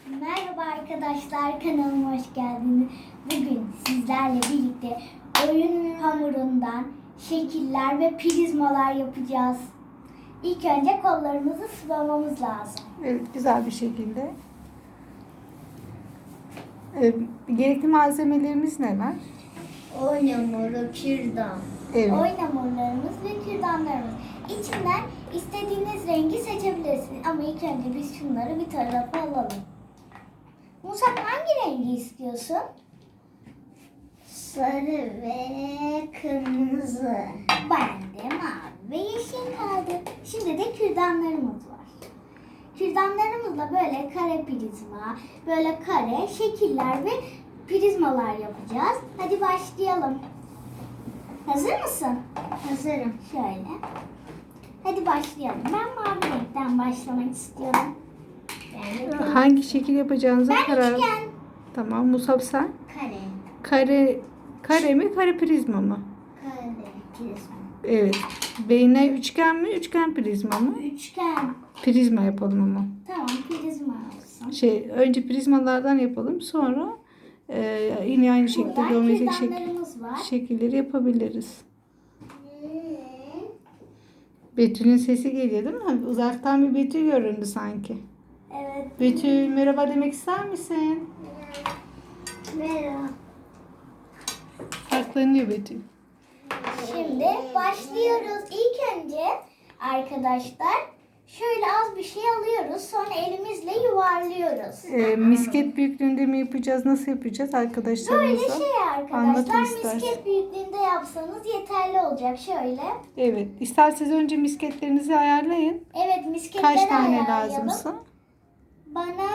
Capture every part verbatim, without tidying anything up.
Merhaba arkadaşlar, kanalıma hoş geldiniz. Bugün sizlerle birlikte oyun hamurundan şekiller ve prizmalar yapacağız. İlk önce kollarımızı sıvamamız lazım. Evet, güzel bir şekilde. Ee, gerekli malzemelerimiz neler? Oyun hamuru, kürdan. Evet. Oyun hamurlarımız ve kürdanlarımız. İçinden istediğiniz rengi seçebilirsiniz. Ama ilk önce biz şunları bir tarafa alalım. Musab, hangi rengi istiyorsun? Sarı ve kırmızı. Ben de mavi ve yeşil kaldı. Şimdi de kürdanlarımız var. Kürdanlarımızla böyle kare prizma, böyle kare şekiller ve prizmalar yapacağız. Hadi başlayalım. Hazır mısın? Hazırım. Şöyle. Hadi başlayalım. Ben mavi renkten başlamak istiyorum. Yani Hangi şekil yapacağınıza ben karar. üçgen. Tamam, Musab sen? Kare. Kare kare mi, kare prizma mı? Kare prizma. Evet. Beyne üçgen mi, üçgen prizma mı? Üçgen. Prizma yapalım ama. Tamam, prizma olsun. Şey, önce prizmalardan yapalım, sonra e, yine aynı şekilde Buradan geometrik şekil, kürdanlarımız var. şekilleri yapabiliriz. Betül'ün sesi geliyor değil mi? Uzaktan bir Betül göründü sanki. Evet. Betül, merhaba demek ister misin? Merhaba. Saklanıyor Betül. Şimdi başlıyoruz. İlk önce arkadaşlar şöyle az bir şey alıyoruz. Sonra elimizle yuvarlıyoruz. Ee, misket büyüklüğünde mi yapacağız? Nasıl yapacağız Böyle arkadaşlarımıza? şey Anlatın arkadaşlar, istersen. misket büyüklüğünde yapsanız yeterli olacak. Şöyle. Evet. İsterseniz önce misketlerinizi ayarlayın. Evet, misketleri Kaç tane ayarlayalım. lazımsa? Bana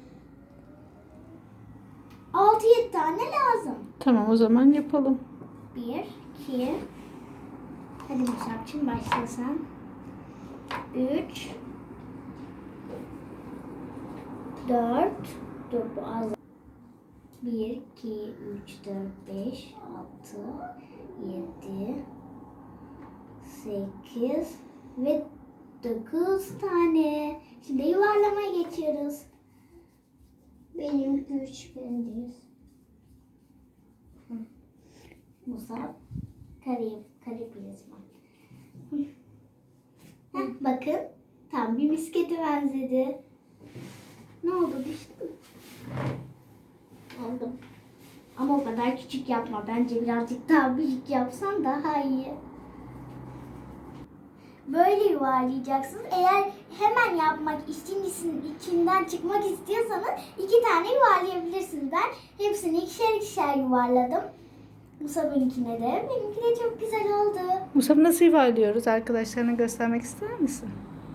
altı yedi tane lazım. Tamam, o zaman yapalım. bir, iki. Hadi Musab'cığım başlasan. üç, dört. Dur, bu az. bir, iki, üç, dört, beş, altı, yedi, sekiz ve dokuz tane. Şimdi yuvarlamaya geçiyoruz. Benim üç bendeyiz. Musab, kare, kare prizma. Heh, bakın, tam bir miskete benzedi. Ne oldu, düştü mü? Aldım. Ama o kadar küçük yapma. Bence birazcık daha büyük yapsan daha iyi. Böyle yuvarlayacaksınız. Eğer hemen yapmak, işin içinden çıkmak istiyorsanız iki tane yuvarlayabilirsiniz. Ben hepsini ikişer ikişer yuvarladım. Musab'ınkine de. Benimki de çok güzel oldu. Musab, nasıl yuvarlıyoruz? Arkadaşlarına göstermek ister misin?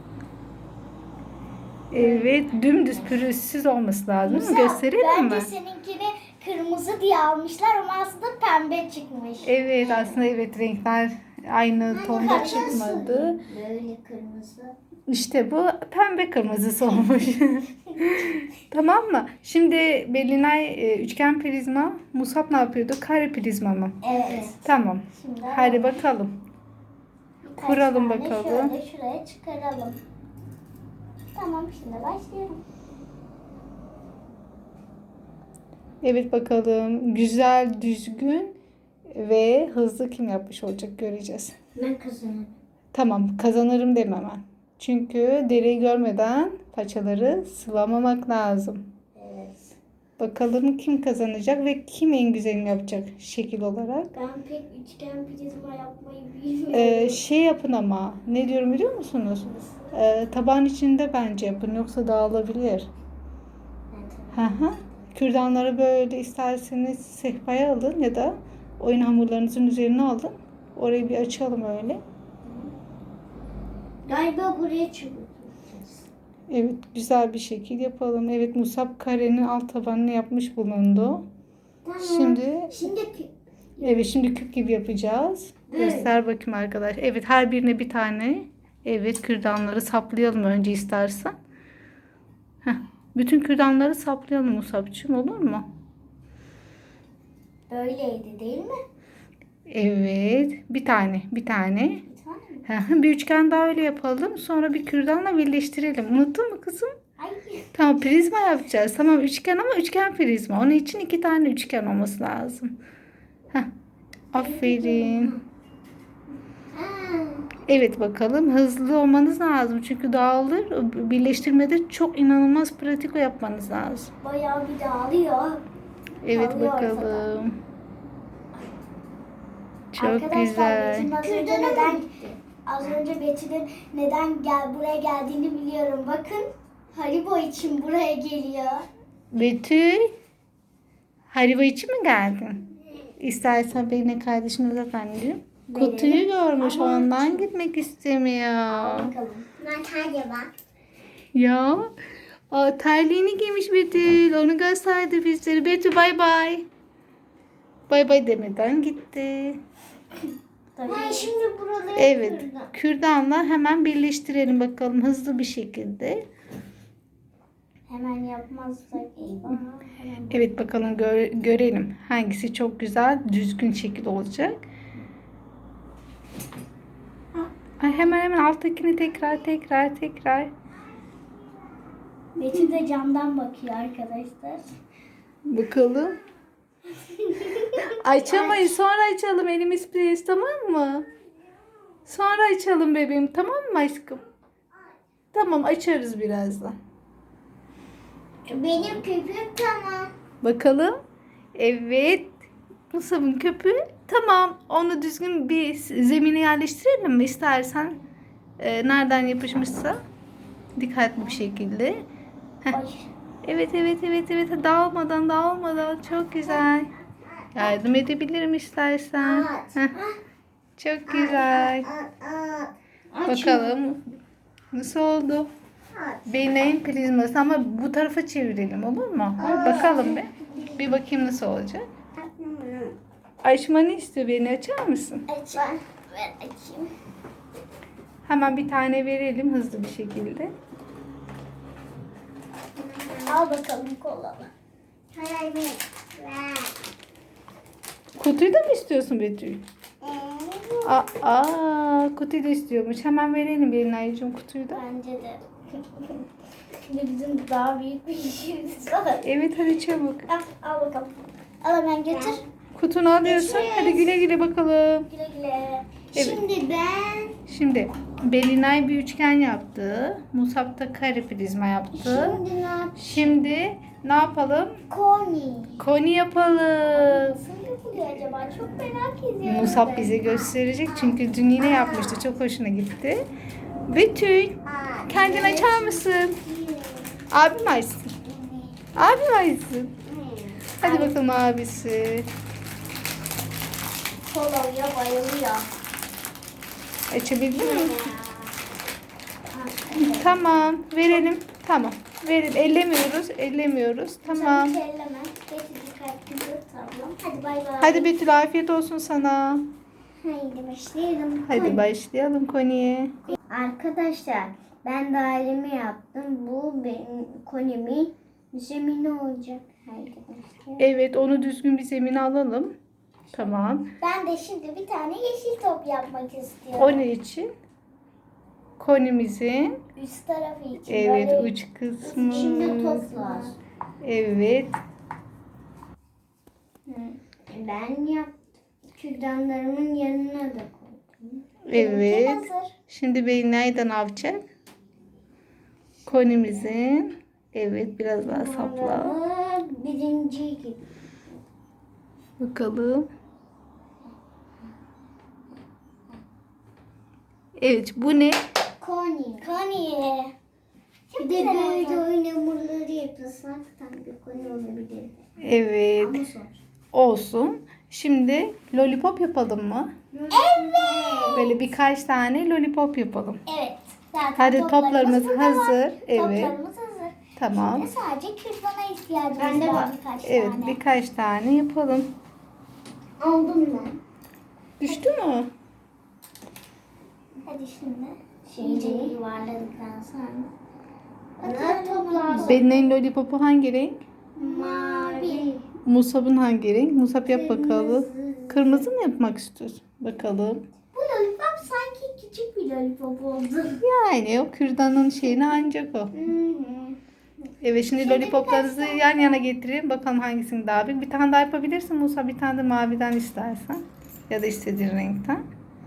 Evet, dümdüz pürüzsüz olması lazım. Değil mi? Musab, Gösterelim bence mi? seninkini kırmızı diye almışlar ama aslında pembe çıkmış. Evet, aslında evet, renkler aynı tonda çıkmadı. Böyle kırmızı. İşte bu pembe kırmızısı olmuş. Tamam mı? Şimdi Belinay e, üçgen prizma, Musab ne yapıyordu? Kare prizma mı? Evet. Tamam. Şimdi Hadi bakalım. birkaç kuralım tane bakalım. Şöyle şuraya çıkaralım. Tamam, şimdi başlayalım. Evet, bakalım. Güzel, düzgün ve hızlı kim yapmış olacak göreceğiz. Ben kazanırım. Tamam, kazanırım deme hemen. Çünkü deriyi görmeden paçaları sıvamamak lazım. Evet. Bakalım kim kazanacak ve kim en güzelini yapacak şekil olarak. Ben pek üçgen prizma yapmayı bilmiyorum. Ee, şey yapın ama ne diyorum biliyor musunuz? Ee, tabağın içinde bence yapın, yoksa dağılabilir. Hı hı. Kürdanları böyle isterseniz sehpaya alın ya da oyun hamurlarınızın üzerine alın. Orayı bir açalım öyle. Galiba buraya çıkacağız. Evet, güzel bir şekil yapalım. Evet, Musab karenin alt tabanını yapmış bulundu. Tamam. Şimdi Şimdi kü- evet, şimdi küp gibi yapacağız. Evet. Göster bakayım arkadaş. Evet, her birine bir tane. Evet, kürdanları saplayalım önce istersen. Heh, bütün kürdanları saplayalım Musab'cığım, olur mu? böyleydi değil mi? Evet, bir tane, bir tane. Bir tane mi? Hı hı, bir üçgen daha öyle yapalım. Sonra bir kürdanla birleştirelim. Unuttun mu kızım? Ay. Tamam, prizma yapacağız. Tamam, üçgen ama üçgen prizma. Onun için iki tane üçgen olması lazım. Heh. Aferin. Ha. Evet, bakalım. Hızlı olmanız lazım. Çünkü dağılır. Birleştirmede çok inanılmaz pratik yapmanız lazım. Bayağı bir dağılıyor. Evet, Dağılıyor bakalım. ortadan. Çok Arkadaşlar, güzel. Betül'ün az önce neden az önce Betül'ün neden gel buraya geldiğini biliyorum. Bakın, Haribo için buraya geliyor. Betül, Haribo için mi geldin? İstersen benimle kardeşini uzat anneciğim. Verelim. Kutuyu görmüş, Ama- ondan gitmek istemiyor. Bakalım. Ben bak. Ya, aa, terliğini giymiş Betül. Onu gösterdi bizlere. Betül, bay bay. Bay bay demeden gitti. Ben şimdi buraları Evet, kırdım. kürdanla hemen birleştirelim bakalım hızlı bir şekilde. Hemen yapmazsak eyvah. Hemen. Evet, bakalım gö- görelim hangisi çok güzel düzgün şekil olacak. Ay, hemen hemen alttakini tekrar tekrar tekrar. Betül de camdan bakıyor arkadaşlar. Bakalım. Açamayız, sonra açalım, elimiz pres, tamam mı? Sonra açalım bebeğim, tamam mı aşkım? Tamam, açarız birazdan. Benim köpüğüm tamam. Bakalım. Evet. Musab'ın köpüğü tamam. Onu düzgün bir zemine yerleştirelim mi istersen? Ee, nereden yapışmışsa dikkatli bir şekilde. Heh. Ay. Evet evet evet evet, dağılmadan dağılmadan çok güzel. Yardım edebilirim istersen. Heh. Çok güzel. Bakalım nasıl oldu? Benim prizması ama bu tarafa çevirelim, olur mu? Bakalım bir. Bir bakayım nasıl olacak. Açmanı istiyor, beni açar mısın? Aç. Ben, ben açayım. Hemen bir tane verelim hızlı bir şekilde. Al bakalım kolalı. Hayır ver. Kutuyu da mı istiyorsun Betül? Aa, aa, kutuyu da istiyormuş. Hemen verelim Belinay'cığım kutuyu da. Bence de. Şimdi bizim daha büyük bir işimiz var. Evet, hadi çabuk. Al, al bakalım. Al hemen götür. Kutunu alıyorsun. Görüşürüz. Hadi güle güle bakalım. Güle güle. Evet. Şimdi ben Şimdi Belinay bir üçgen yaptı. Musab da kare prizma yaptı. şimdi ne yapayım? Şimdi ne yapalım? Koni. Koni yapalım. Nasıl yapılıyor acaba? Çok merak ediyorum. Musab ben. bize gösterecek çünkü dün yine yapmıştı. Çok hoşuna gitti. Betül, Aa, kendin evet. açar mısın? Abim açsın. Abim açsın. Hadi bakalım abisi. Kolonya bayılıyor. Açabildin mi? Ha, evet. Tamam, verelim. Tamam. Verin. Ellemiyoruz. Ellemiyoruz. Tamam. Çabuk elleme. Betül dikkatli dur tablom. Hadi bay bay. Hadi Betül, afiyet olsun sana. Haydi başlayalım. Hadi başlayalım Koni'ye. Arkadaşlar, ben dairemi yaptım. Bu benim konimin zemini olacak. Haydi başlayalım. Evet, onu düzgün bir zemine alalım. Tamam. Ben de şimdi bir tane yeşil top yapmak istiyorum. O ne için? Konimizin Üst tarafı için. evet böyle uç kısmı. içinde top var. Evet. Hı. Ben yaptım. Kürdanlarımın yanına da koydum. Evet. Benimki hazır. Şimdi Bey nereden yapacak? Konimizin evet biraz daha sapla. Bunları birinci gibi. Bakalım. Evet, bu ne? Koni. Koni. Bir de böyle oyun hamurları yapılsak tam bir koni olabilir. Evet. Ama zor. Olsun. Şimdi lollipop yapalım mı? Evet. Böyle birkaç tane lollipop yapalım. Evet. Zaten Hadi toplarımız burada var. hazır. Evet. Toplarımız hazır. Tamam. Şimdi sadece kürdana ihtiyacımız Bende var var. birkaç Evet, tane. birkaç tane yapalım. Aldım ben. Düştü mü? Hadi şimdi iyice yuvarladıktan sonra. Bunlar toplar. Belinay'ın lollipopu hangi renk? Mavi. Musab'ın hangi renk? Musab yap bakalım. Kırmızı mı yapmak istiyorsun? Bakalım. Bu lollipop sanki küçük bir lollipop oldu. Yani o kürdanın şeyini ancak o. Hı hı. Evet, şimdi Şimdi lollipoplarınızı birkaç yan yana getirin. Bakalım hangisini daha büyük. Bir tane daha yapabilirsin Musa. Bir tane de maviden istersen. Ya da istediğin renkten.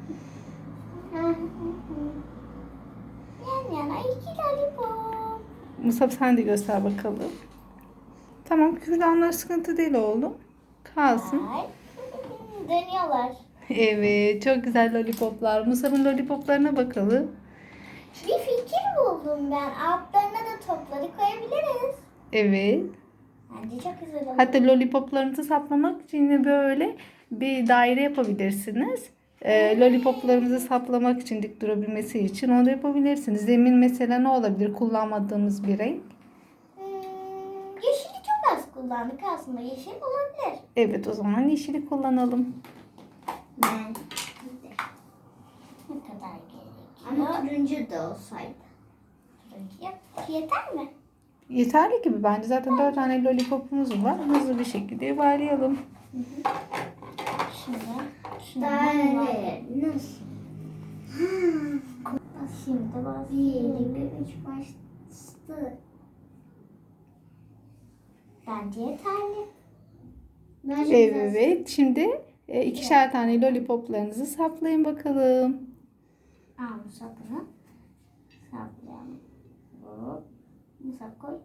Yan yana iki lollipop. Musa sen de göster bakalım. Tamam, kürdanlar sıkıntı değil oğlum. Kalsın. Ay. Dönüyorlar. Evet, çok güzel lollipoplar. Musa'nın lollipoplarına bakalım. Bir fikir buldum ben. Altlarına da topları koyabiliriz. Evet. Bence çok güzel olur. Hatta lollipoplarınızı saplamak için yine böyle bir daire yapabilirsiniz. Ee, lollipoplarımızı saplamak için, dik durabilmesi için onu da yapabilirsiniz. Zemin mesela ne olabilir? Kullanmadığımız bir renk. Hmm, yeşili çok az kullandık aslında. Yeşil olabilir. Evet, o zaman yeşili kullanalım. Ben. Ne kadar gerekiyor? Ama turuncu da olsaydı. Turuncu yap. Yeter mi? Yeterli gibi bence. Zaten dört tane lollipopumuz var. Hızlı bir şekilde yuvarlayalım. Şimdi. Şimdi nasıl? Şimdi bas. Bir, iki, üç başladı. Bence yeterli. Bence Evet. Şimdi e, ikişer tane lollipoplarınızı saplayın bakalım. Al bu sapını. Saplayalım. Hop. Bu sap koy.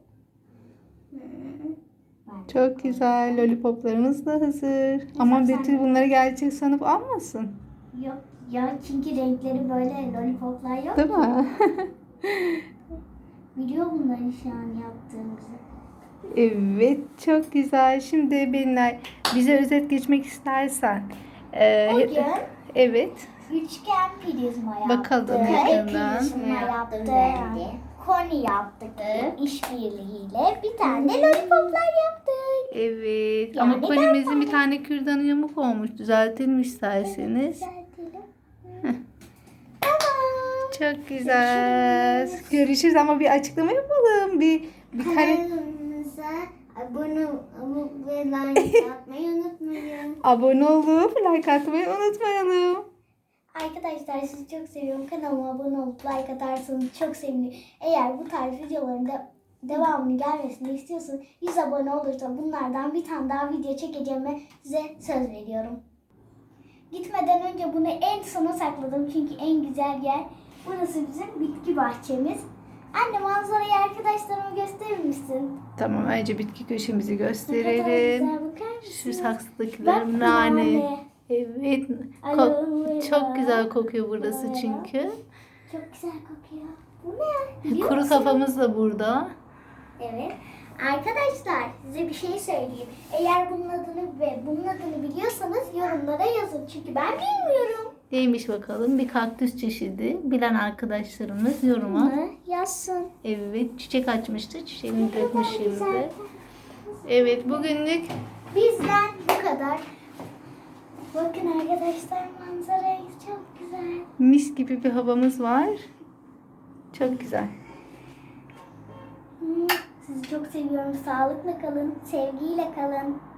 Bence Çok güzel. Lollipoplarımız da hazır. Ama sen Betül de. bunları gerçek sanıp almasın. Yok ya çünkü renkleri böyle lollipoplar yok. Değil mi? Biliyor bunları şu an yaptığımızı. Evet. Çok güzel. Şimdi Belinay, bize özet geçmek istersen. e, Bugün evet. üçgen prizma yaptık. Bakalım Kare yakından. prizma yaptık. bence. Koni yaptık. İşbirliğiyle bir tane lollipoplar yaptık. Evet. Yani Ama kolimizin bir tane kürdanı yamuk olmuş. Düzeltelim isterseniz. Düzeltelim. Tamam. Çok güzel. Görüşürüz ama bir açıklama yapalım. Bir bir kare Kanalımıza abone olup ve like atmayı unutmayın. abone olup like atmayı unutmayalım. Arkadaşlar sizi çok seviyorum. Kanalıma abone olup like atarsanız çok sevinirim. Eğer bu tarz videoların da devamını gelmesini istiyorsanız yüz abone olursa bunlardan bir tane daha video çekeceğime size söz veriyorum. Gitmeden önce bunu en sona sakladım çünkü en güzel yer. Burası bizim bitki bahçemiz. Anne manzarayı arkadaşlarıma gösterir misin? Tamam, önce bitki köşemizi Ne kadar gösterelim. güzel, bakar Şu mısın? saksıdakiler Bak, nane. nane. Evet. Aloe Ko- vera. çok güzel kokuyor burası Aloe vera. çünkü. Çok güzel kokuyor. Bu ne? Biliyor Kuru musun? kafamız da burada. Evet. Arkadaşlar size bir şey söyleyeyim. Eğer bunun adını ve bunun adını biliyorsanız yorumlara yazın. Çünkü ben bilmiyorum. Neymiş bakalım? Bir kaktüs çeşidi. Bilen arkadaşlarımız yoruma. Bunu yazsın. Evet, çiçek açmıştı. Çiçeğini Ne dökmüş kadar güzel. şimdi. Evet, bugünlük Bizden bu kadar. Bakın arkadaşlar manzarayı çok güzel. mis gibi bir havamız var. Çok güzel. Hmm, Sizi çok seviyorum. Sağlıkla kalın. Sevgiyle kalın.